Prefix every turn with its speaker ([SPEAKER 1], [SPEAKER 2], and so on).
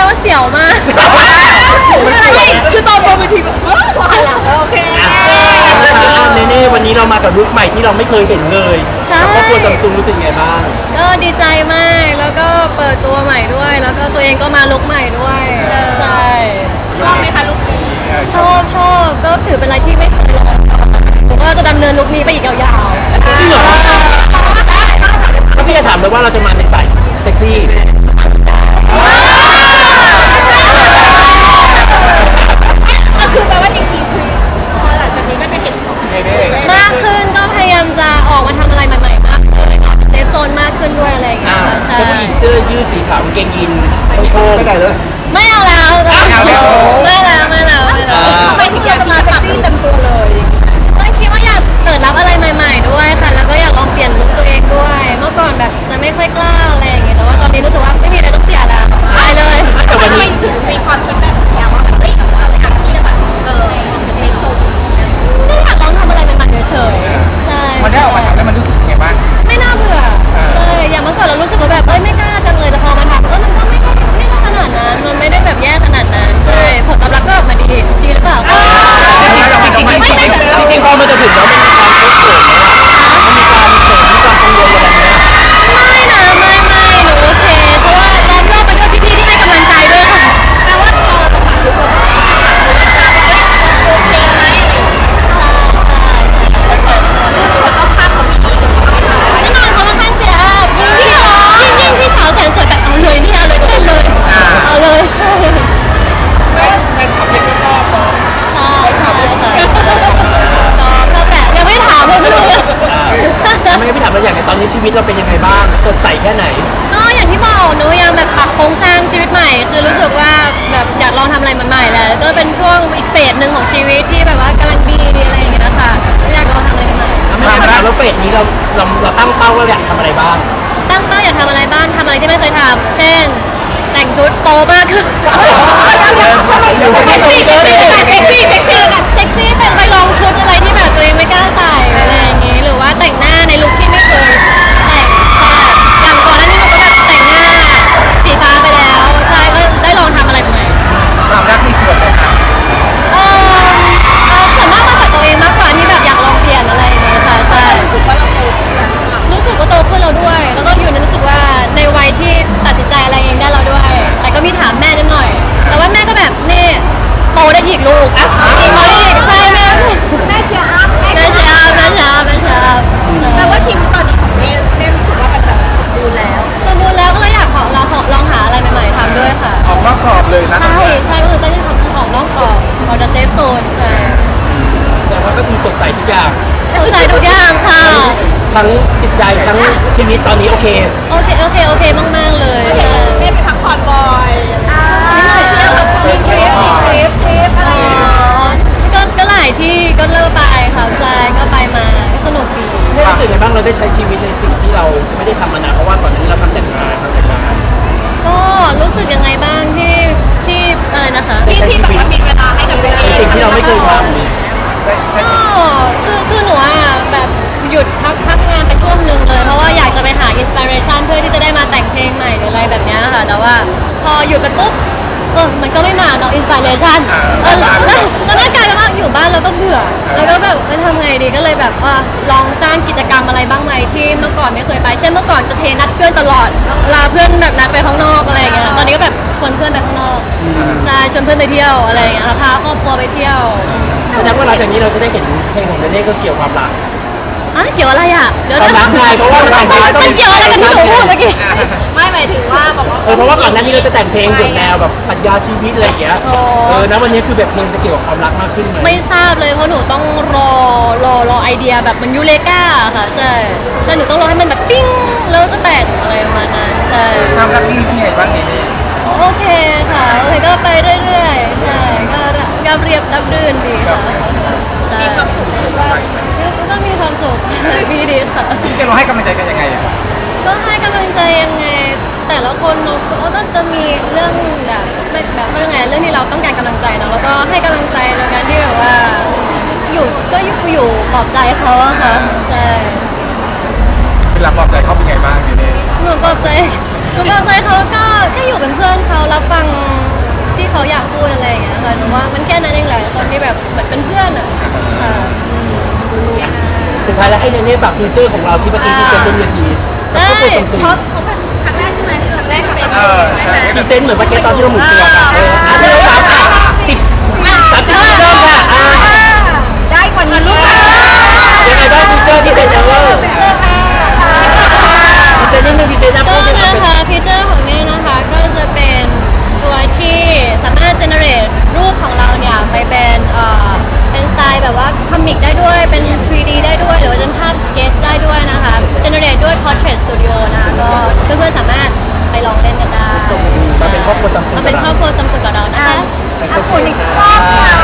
[SPEAKER 1] ว่าเสียวมากคือตอนบนเวทีแบบพอหันหลังโอเค
[SPEAKER 2] เน่วันนี้เรามากับลุคใหม่ที่เราไม่เคยเห็นเลยกับครอบครัวซัมซุงรู้สึกไงบ้าง
[SPEAKER 1] ก็ดีใจมากแล้วก็เปิดตัวใหม่ด้วยแล้วก็ตัวเองก็มาลุคใหม่ด้วยใช่
[SPEAKER 3] ชอบไหมคะลุคนี้
[SPEAKER 1] ชอบก็ถือเป็นอะไรที่ไม่เคยลองผมก็จะดำเนินลุคนี้ไปอีกยาวๆ
[SPEAKER 2] จริงเหรอถ้าพี่จะถามเลยว่าเราจะมาในสายเซ็กซี่
[SPEAKER 3] คือแปลว่าจริงๆคือพอหลังจากนี้ก็จะเห็น
[SPEAKER 1] มากขึ้นก็พยายามจะออกมาทำอะไรใหม่ๆมากขึ้นเซฟโซนมากขึ้นด้วยอะไรอย่างเงี้ยใช่
[SPEAKER 2] ผู้หญิงเสื้อยืดสีขาวกางเกงยีนโค้งไม่ได้เลย
[SPEAKER 1] ไม่เอาแล้ว
[SPEAKER 3] ทำไมถึงอยากจะมาเซ็กซี่เต็มตัวเลย
[SPEAKER 1] ก็คิดว่าอยากเปิดรับอะไรใหม่ๆด้วยค่ะแล้วก็อยากลองเปลี่ยนลุคตัวเองด้วยเมื่อก่อนแบบจะไม่ค่อยกล้าอะไรอย่างเงี้ยแต่ว่าตอนนี้รู้สึกว่าไม่มีอะไรต้องเสียแล้วไปเลย
[SPEAKER 3] ทำไมถึงมีความคิดแบบนี้ว่าแบบเฮ้ยเราไปหาที่แบบเป็นเซ็กโซน
[SPEAKER 1] ไม่อยากลองทำอะไรใหม่ๆเฉยๆใช่
[SPEAKER 4] มันได้ออกมาทำแล้วมันรู้สึกยังไงบ้าง
[SPEAKER 1] ไม่น่าเบื่อใช่อย่างเมื่อก่อนเรารู้สึกว่าแบบไม่กล้าจังเลยแต่พอมาทำมันก็ไม่ได้ขนาดนั้นมันไม่ได้แบบแย่ขนาดนั้นใช่ผลตอบรับก็ออกมาดีหรือเปล่า
[SPEAKER 2] จริงพอมันจะถึงแล้วมันมีความเขินมันมีความเขินมีความกังวลอะไรไหม
[SPEAKER 1] ไม่หนูโอเคเพราะว่าล้อมรอบไปด้วยพี่ๆที่ให้กำลังใจด้วยค่ะ
[SPEAKER 3] แปลว่าพอเราจะผ่านลุคแล้วก็โอเคไหมคนรอบข้างของพี่
[SPEAKER 1] แน่นอนเขาละพันเชียร์อัพยิ่งพี่สาวแสนสวยแบบเอาเลยนี่เอาเลยเต้นเลยเอาเลยใช่
[SPEAKER 2] แฟนคลับเองก็ชอบเนาะ
[SPEAKER 1] ชอบแต่ยังไม่ถามเลยไม่รู้
[SPEAKER 2] ไม่งั้นพี่ถามเราอย่างในตอนนี้ชีวิตเราเป็นยังไงบ้างสดใสแค่ไหน
[SPEAKER 1] ก็อย่างที่บอกหนูพยายามแบบปรับโครงสร้างชีวิตใหม่คือรู้สึกว่าแบบอยากลองทำอะไรใหม่ๆแหละก็เป็นช่วงอีกเฟสหนึ่งของชีวิตที่แบบว่ากำลังดีอะไรอย่างเงี้ยค่ะอยากลองทำอะไรใหม่
[SPEAKER 2] ไม่งั้นถามว่าเฟสนี้เราตั้งเป้าว่าอยากทำอะไรบ้าง
[SPEAKER 1] ตั้งเป้าอยากทำอะไรบ้างทำอะไรที่ไม่เคยทำเช่นแต่งชุดโป๊มากขึ้นเซ็กซี่เป็นไปลองชุดอะไรที่แบบตัวเองไม่กล้าใส่อะไรอย่างงี้หรือว่าแต่งหน้าในลุคที่ไม่เคยแต่งอย่างก่อนหน้านี้หนูก็แบบแต่งหน้าสีฟ้าไปแล้วใช่ก็ได้ลองทำอะไรใหม่
[SPEAKER 4] ความรักมีส่วนไหมครับ
[SPEAKER 1] ส่วนมากมาจากตัวเองมากกว่าที่แบบอยากลองเปลี่ยนอะไรอย่างเงี้ยค่ะใช่
[SPEAKER 3] รู้สึกว่าเราโตขึ้นแล้ว
[SPEAKER 1] รู้สึกว่าโตขึ้นแล้วด้วยแล้วก็อยู่ในรู้สึกว่าในวัยที่ตัดสินใจอะไรเองได้แล้วด้วยแต่ก็มีถามแม่นิดหน่อยแต่ว่าแม่ก็แบบนี่โตได้อีกลูกอีกใช่
[SPEAKER 3] แม่เชียร์อัพแปลว่าชีวิตตอนนี้ของเน่รู้สึกว่ามันแบบสมบูรณ์
[SPEAKER 1] แล้วก็เลยอยากลองหาอะไรใหม่ๆทำด้วยค่ะ
[SPEAKER 4] ออกนอกกรอบเลยนะ
[SPEAKER 1] ใช่ก็คือได้ทำออกนอกกรอบออกจากเซฟโซนใช่
[SPEAKER 2] แต่ว่าก็คือสดใสทุกอย่าง
[SPEAKER 1] สดใสทุกอย่างค่ะ
[SPEAKER 2] ทั้งจิตใจทั้งชีวิตตอนนี้โอเค
[SPEAKER 1] มากๆเลย
[SPEAKER 3] ใช่ได้ไปพักผ่อนบ่อยมีทริป
[SPEAKER 1] ก็หลายที่ก็เลิกไปค่ะใช่ก็ไปมาสนุกดี
[SPEAKER 2] รู้สึกไงบ้างเราได้ใช้ชีวิตในสิ่งที่เราไม่ได้ทำมานานเพราะว่าก่อนหน้านี้เราทำแต่งงาน
[SPEAKER 1] ก็รู้สึกยังไงบ้างที่อะไรนะคะ
[SPEAKER 3] ที่แบบว่ามีเวลาให้กับตัวเอง
[SPEAKER 2] สิ่งที่เราไม่เคยทำ
[SPEAKER 1] คือหนูแบบหยุดพักงานไปช่วงนึงเลยเพราะว่าอยากจะไปหาอินสปิเรชันเพื่อที่จะได้มาแต่งเพลงใหม่หรืออะไรแบบนี้ค่ะแต่ว่าพอหยุดไปปุ๊บมันก็ไม่มาเนาะอินสปิเรชันแล้วก็กลายเป็นว่าอยู่บ้านแล้วก็เบื่อแล้วก็แบบทำไงดีก็เลยแบบว่าลองสร้างกิจกรรมอะไรบ้างไหมที่เมื่อก่อนไม่เคยไปเช่นเมื่อก่อนจะเทนัดเพื่อนตลอดลาเพื่อนแบบนัดไปข้างนอกอะไรอย่างเงี้ยตอนนี้ก็แบบชวนเพื่อนไปข้างนอกใช่ชวนเพื่อนไปเที่ยวอะไรอย่างเงี้ยพาครอบครัวไปเที่ยว
[SPEAKER 2] แสดงว่าหลังจากนี้เราจะได้เห็นเพลงของเดเน่ก็เกี่ยวความรัก
[SPEAKER 1] เกี่ยวอะไรเดี๋ยว
[SPEAKER 2] ความรักไงเพราะว่า
[SPEAKER 1] มันเกี่ยวอะไรกันที่หนูพูดเมื่อกี้
[SPEAKER 3] ไม่หมายถึงว่าบอกว่า
[SPEAKER 2] เพราะว่าก่อนหน้านี้เราจะแต่งเพลงบทแนวแบบปรัชญาชีวิตอะไรอย่างเงี้ยนะวันนี้คือแบบเพลงจะเกี่ยวกับความรักมากขึ้นไหม
[SPEAKER 1] ไม่ทราบเลยเพราะหนูต้องรอไอเดียแบบมันยูเลกาค่ะใช่หนูต้องรอให้มันแบบปิ้งแล้วก็แต่งอะไรประมาณนั้นใช่
[SPEAKER 4] ความรักที่เป็นไงบ้างเนี่ย
[SPEAKER 1] โอเคค่ะก็ไปเรื่อยๆใช่ก็รับเรียบรับรื่นดีค่ะ
[SPEAKER 3] มีความสุข
[SPEAKER 1] ก็มีความสุขดีค่ะ
[SPEAKER 4] จะเราให้กำลังใจกันยังไง
[SPEAKER 1] ก็ให้กำลังใจยังไงแต่ละคนเนาะก็จะมีเรื่องแบบว่ายังไงเรื่องที่เราต้องการกำลังใจเนาะแล้วก็ให้กำลังใจในการที่แบบว่าอยู่ปลอบใจเขาอะค่ะใช่
[SPEAKER 4] เวลาปลอบใจเขาเป็นไงบ้างเนี่ย
[SPEAKER 1] หนูปลอบใจหนูกับไซเขาก็แค่อยู่เป็นเพื่อนเขารับฟังที่เขาอยากพูดอะไรอย่างเงี้ยค่ะหนูว่ามันแค่นั้นเองแหละคนที่แบบเหมือนเป็นเพื่อนอ่ะค่ะ
[SPEAKER 2] สุดท้ายแล้วให้เนเน่ฝากฟิวเจอร์ของเราที่เมื่อกี้ที่เซ็นบนเวทีกับครอบครัวซัมซุง
[SPEAKER 3] เขาเป็นครั้งแรกใช่ไหมที่ครั้งแรกกับ
[SPEAKER 4] ใช่
[SPEAKER 2] พรีเซนต์เหมือนเมื่อกี้ตอนที่เราหมุนตัวค่ะอันนี้เรา30 เริ่มค่ะ
[SPEAKER 3] ได้กว่านี้ลูก
[SPEAKER 2] ยังไงบ้างฟิวเจอร์ที่เป็นเอเวอร์พรีเซนต์นิดนึงพรีเซนต์นะ
[SPEAKER 1] ก็
[SPEAKER 2] พูดเป็น
[SPEAKER 1] นะคะฟีเจอร์ของเน่นะคะก็จะเป็นตัวที่สามารถ generate รูปของเราเนี่ยไปเป็นสไตล์แบบว่าคอมิกได้ด้วยเป็น 3D ได้ด้วยหรือว่าจะเป็นภาพสเกจได้ด้วยนะคะ generate ด้วย Portrait Studio นะคะก็เพื่อนๆสามารถไปลองเล่นกันได้
[SPEAKER 2] มาเป็นครอบครัวซัมซุง
[SPEAKER 1] มาเป็นครอบครัวซัมซุงกับเรานะคะ
[SPEAKER 3] อ่ะคุณอีกรอบค่ะ